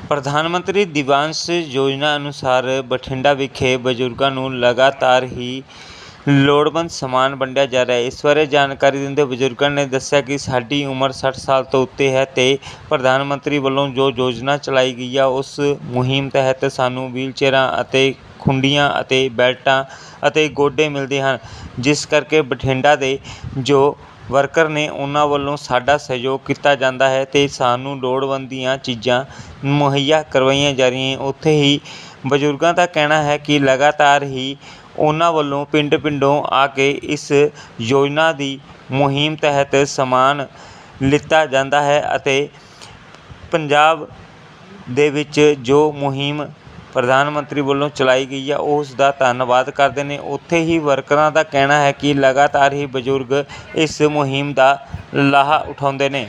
ਪ੍ਰਧਾਨ ਮੰਤਰੀ ਦਿਵਾਂਸ਼ ਯੋਜਨਾ ਅਨੁਸਾਰ ਬਠਿੰਡਾ ਵਿਖੇ ਬਜ਼ੁਰਗਾਂ ਨੂੰ ਲਗਾਤਾਰ ਹੀ ਲੋੜਵੰਦ ਸਮਾਨ ਵੰਡਿਆ ਜਾ ਰਿਹਾ ਹੈ। ਇਸ ਬਾਰੇ ਜਾਣਕਾਰੀ ਦਿੰਦੇ ਬਜ਼ੁਰਗਾਂ ਨੇ ਦੱਸਿਆ ਕਿ ਸਾਡੀ ਉਮਰ 60 ਸਾਲ ਤੋਂ ਉੱਤੇ ਹੈ ਅਤੇ ਪ੍ਰਧਾਨ ਮੰਤਰੀ ਵੱਲੋਂ ਜੋ ਯੋਜਨਾ ਚਲਾਈ ਗਈ ਆ ਉਸ ਮੁਹਿੰਮ ਤਹਿਤ ਸਾਨੂੰ ਵੀਲਚੇਅਰਾਂ ਅਤੇ ਖੁੰਡੀਆਂ ਅਤੇ ਬੈਲਟਾਂ ਅਤੇ ਗੋਡੇ ਮਿਲਦੇ ਹਨ, ਜਿਸ ਕਰਕੇ ਬਠਿੰਡਾ ਦੇ ਜੋ ਵਰਕਰ ਨੇ ਉਹਨਾਂ ਵੱਲੋਂ ਸਾਡਾ ਸਹਿਯੋਗ ਕੀਤਾ ਜਾਂਦਾ ਹੈ ਅਤੇ ਸਾਨੂੰ ਲੋੜਵੰਦ ਦੀਆਂ ਚੀਜ਼ਾਂ ਮੁਹੱਈਆ ਕਰਵਾਈਆਂ ਜਾ ਰਹੀਆਂ। ਉੱਥੇ ਹੀ ਬਜ਼ੁਰਗਾਂ ਦਾ ਕਹਿਣਾ ਹੈ ਕਿ ਲਗਾਤਾਰ ਹੀ ਉਹਨਾਂ ਵੱਲੋਂ ਪਿੰਡ ਪਿੰਡੋਂ ਆ ਕੇ ਇਸ ਯੋਜਨਾ ਦੀ ਮੁਹਿੰਮ ਤਹਿਤ ਸਮਾਨ ਲਿੱਤਾ ਜਾਂਦਾ ਹੈ ਅਤੇ ਪੰਜਾਬ ਦੇ ਵਿੱਚ ਜੋ ਮੁਹਿੰਮ ਪ੍ਰਧਾਨ ਮੰਤਰੀ ਵੱਲੋਂ ਚਲਾਈ ਗਈ ਆ ਉਸ ਦਾ ਧੰਨਵਾਦ ਕਰਦੇ ਨੇ। ਉੱਥੇ ਹੀ ਵਰਕਰਾਂ ਦਾ ਕਹਿਣਾ ਹੈ ਕਿ ਲਗਾਤਾਰ ਹੀ ਬਜ਼ੁਰਗ ਇਸ ਮੁਹਿੰਮ ਦਾ ਲਾਹਾ ਉਠਾਉਂਦੇ ਨੇ।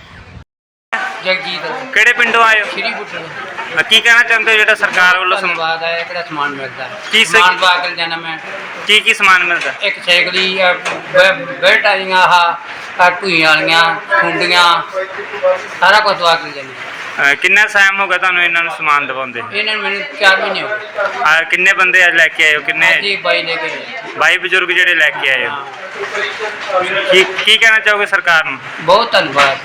ਜਗਜੀਤ ਕਿਹੜੇ ਪਿੰਡੋਂ ਆਏ ਹੋ? ਸ਼੍ਰੀ ਬੁੱਟਰ ਕੀ ਕਹਿਣਾ ਚਾਹੁੰਦੇ ਹੋ ਜਿਹੜਾ ਸਰਕਾਰ ਵੱਲੋਂ ਧੰਨਵਾਦ ਹੈ ਕਿਹੜਾ ਸਮਾਨ ਮਿਲਦਾ ਕੀ ਸਮਾਨ ਪਾ ਕੇ ਜਾਣਾ ਮੈਂ ਕੀ ਸਮਾਨ ਮਿਲਦਾ? ਇੱਕ ਸਾਈਕਲੀ ਬੈਲਟ ਆਈਆਂ ਆਹ ਢੂਈਆਂ ਵਾਲੀਆਂ ਖੁੰਡੀਆਂ ਸਾਰਾ ਕੁਝ ਪਾ ਕੇ ਜਾਣਾ। ਕਿੰਨਾ ਟਾਈਮ ਹੋ ਗਿਆ ਤੁਹਾਨੂੰ ਇਹਨਾਂ ਨੂੰ ਸਮਾਨ ਦਿਵਾਉਂਦੇ? ਇਹਨਾਂ ਨੂੰ ਮੈਨੂੰ 4 ਮਹੀਨੇ ਹੋ ਗਏ। ਕਿੰਨੇ ਬੰਦੇ ਅੱਜ ਲੈ ਕੇ ਆਏ ਹੋ? ਕਿੰਨੇ? ਜੀ 22 ਲੈ ਕੇ ਗਏ। 22 ਬਜ਼ੁਰਗ ਜਿਹੜੇ ਲੈ ਕੇ ਆਏ ਹੋ। ਕੀ ਕਹਿਣਾ ਚਾਹੋਗੇ ਸਰਕਾਰ ਨੂੰ? ਬਹੁਤ ਧੰਨਵਾਦ।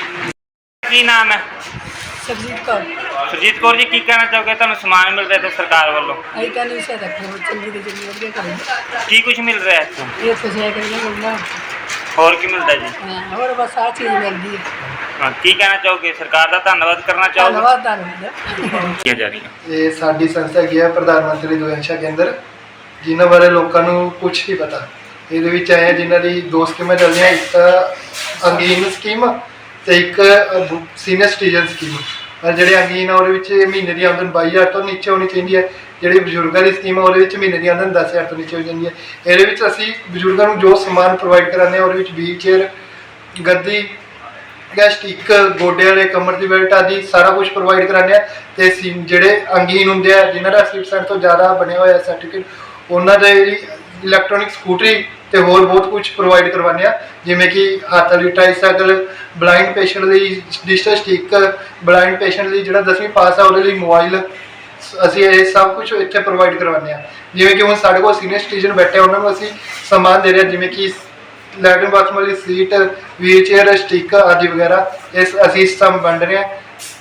ਕੀ ਨਾਮ ਹੈ? ਸਰਜੀਤ ਕੌਰ। ਸੁਰਜੀਤ ਕੌਰ ਜੀ, ਕੀ ਕਹਿਣਾ ਚਾਹੋਗੇ ਤੁਹਾਨੂੰ ਸਮਾਨ ਮਿਲ ਰਿਹਾ ਤੇ ਸਰਕਾਰ ਵੱਲੋਂ? ਅਸੀਂ ਕਹਿੰਦੇ ਵੀ ਸਾਡਾ ਬਹੁਤ ਚੰਗੀ ਤੇ ਚੰਗੀ ਵਧੀਆ ਕਰੀ ਕੀ ਕੁਝ ਮਿਲ ਰਿਹਾ ਇੱਥੋਂ? ਇਹ ਫਸਿਆ ਕਰੀਏ ਮੁੰਡਾ। ਹੋਰ ਕੀ ਮਿਲਦਾ ਜੀ? ਹੋਰ ਬਸ ਆਹ ਚੀਜ਼ ਮਿਲਦੀ ਹੈ। ਕੀ ਕਹਿਣਾ ਚਾਹੋਗੇ? ਸਰਕਾਰ ਦਾ ਧੰਨਵਾਦ ਕਰਨਾ ਚਾਹੋਗੇ? ਧੰਨਵਾਦ। ਕੀ ਜਾ ਰਹੀ ਹੈ? ਇਹ ਸਾਡੀ ਸੰਸਥਾ ਕੀ ਹੈ ਪ੍ਰਧਾਨ ਮੰਤਰੀ ਦੁਆਂਸ਼ਾ ਕੇਂਦਰ, ਜਿਨ੍ਹਾਂ ਬਾਰੇ ਲੋਕਾਂ ਨੂੰ ਕੁਝ ਨਹੀਂ ਪਤਾ। ਇਹਦੇ ਵਿੱਚ ਆਏ ਜਿਨ੍ਹਾਂ ਦੀ 2 ਸਕੀਮਾਂ ਚੱਲਦੀਆਂ, ਇੱਕ ਤਾਂ ਅੰਗਹੀਨ ਸਕੀਮ ਤੇ ਇੱਕ ਸੀਨੀਅਰ ਸਿਟੀਜ਼ਨ ਸਕੀਮ। ਪਰ ਜਿਹੜੇ ਅੰਗਹੀਨ ਆ ਉਹਦੇ ਵਿੱਚ ਮਹੀਨੇ ਦੀ ਆਮਦਨ 22,000 ਤੋਂ ਨੀਚੇ ਹੋਣੀ ਚਾਹੀਦੀ ਹੈ। ਜਿਹੜੀ ਬਜ਼ੁਰਗਾਂ ਦੀ ਸਕੀਮ ਆ ਉਹਦੇ ਵਿੱਚ ਮਹੀਨੇ ਦੀ ਆਮਦਨ 10,000 ਤੋਂ ਨੀਚੇ ਹੋ ਜਾਂਦੀ ਹੈ। ਇਹਦੇ ਵਿੱਚ ਅਸੀਂ ਬਜ਼ੁਰਗਾਂ ਨੂੰ ਜੋ ਸਮਾਨ ਪ੍ਰੋਵਾਈਡ ਕਰਾਉਂਦੇ ਹਾਂ ਉਹਦੇ ਵਿੱਚ ਵੀਲਚੇਅਰ, ਗੱਦੀ, ਸਟਿੱਕ, ਗੋਡੇ ਵਾਲੇ, ਕਮਰ ਦੀ ਬੈਲਟ ਆਦਿ ਸਾਰਾ ਕੁਝ ਪ੍ਰੋਵਾਈਡ ਕਰਾਉਂਦੇ ਹਾਂ। ਅਤੇ ਜਿਹੜੇ ਅੰਗਹੀਨ ਹੁੰਦੇ ਆ ਜਿਨ੍ਹਾਂ ਦਾ 80% ਤੋਂ ਜ਼ਿਆਦਾ ਬਣਿਆ ਹੋਇਆ ਸਰਟੀਫਿਕੇਟ, ਉਹਨਾਂ ਦੇ ਇਲੈਕਟ੍ਰੋਨਿਕ ਸਕੂਟਰੀ ਅਤੇ ਹੋਰ ਬਹੁਤ ਕੁਝ ਪ੍ਰੋਵਾਈਡ ਕਰਵਾਉਂਦੇ ਹਾਂ, ਜਿਵੇਂ ਕਿ ਹੱਥ ਵਾਲੀ ਟ੍ਰਾਈਸਾਈਕਲ, ਬਲਾਈਂਡ ਪੇਸ਼ੈਂਟ ਲਈ ਡਿਜੀਟਲ ਸਟਿੱਕ, ਬਲਾਈਂਡ ਪੇਸ਼ੈਂਟ ਲਈ ਜਿਹੜਾ 10ਵੀਂ ਪਾਸ ਆ ਉਹਦੇ ਲਈ ਮੋਬਾਈਲ, ਅਸੀਂ ਇਹ ਸਭ ਕੁਝ ਇੱਥੇ ਪ੍ਰੋਵਾਈਡ ਕਰਵਾਉਂਦੇ ਹਾਂ। ਜਿਵੇਂ ਕਿ ਹੁਣ ਸਾਡੇ ਕੋਲ ਸੀਨੀਅਰ ਸਿਟੀਜ਼ਨ ਬੈਠੇ ਉਹਨਾਂ ਨੂੰ ਅਸੀਂ ਸਮਾਨ ਦੇ ਰਹੇ ਹਾਂ, ਜਿਵੇਂ ਕਿ ਲੈਟਰਿਨ ਬਾਥਰੂਮ ਵਾਲੀ ਸੀਟ, ਵੀਲਚੇਅਰ, ਸਟਿੱਕ ਆਦਿ ਵਗੈਰਾ ਅਸੀਂ ਸਭ ਵੰਡ ਰਹੇ ਹਾਂ।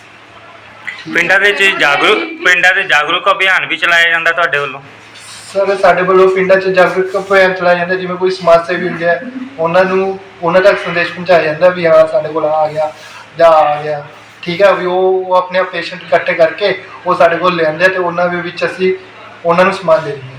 ਪਿੰਡਾਂ ਦੇ ਜਾਗਰੂਕ ਅਭਿਆਨ ਵੀ ਚਲਾਇਆ ਜਾਂਦਾ ਤੁਹਾਡੇ ਵੱਲੋਂ? ਸਰ ਸਾਡੇ ਵੱਲੋਂ ਪਿੰਡਾਂ 'ਚ ਜਾਗਰੂਕ ਅਭਿਆਨ ਚਲਾਇਆ ਜਾਂਦਾ, ਜਿਵੇਂ ਕੋਈ ਸਮਾਜ ਸੇਵੀ ਹੁੰਦੇ ਆ ਉਹਨਾਂ ਤੱਕ ਸੰਦੇਸ਼ ਪਹੁੰਚਾਇਆ ਜਾਂਦਾ ਵੀ ਹਾਂ ਸਾਡੇ ਕੋਲ ਆ ਗਿਆ ਜਾਂ ਆ ਗਿਆ, ਠੀਕ ਹੈ ਵੀ ਉਹ ਆਪਣੇ ਪੇਸ਼ੈਂਟ ਇਕੱਠੇ ਕਰਕੇ ਉਹ ਸਾਡੇ ਕੋਲ ਲਿਆਉਂਦੇ ਅਤੇ ਉਹਨਾਂ ਦੇ ਵਿੱਚ ਅਸੀਂ ਉਹਨਾਂ ਨੂੰ ਸਮਾਨ ਦੇ ਦਿੰਦੇ ਹਾਂ।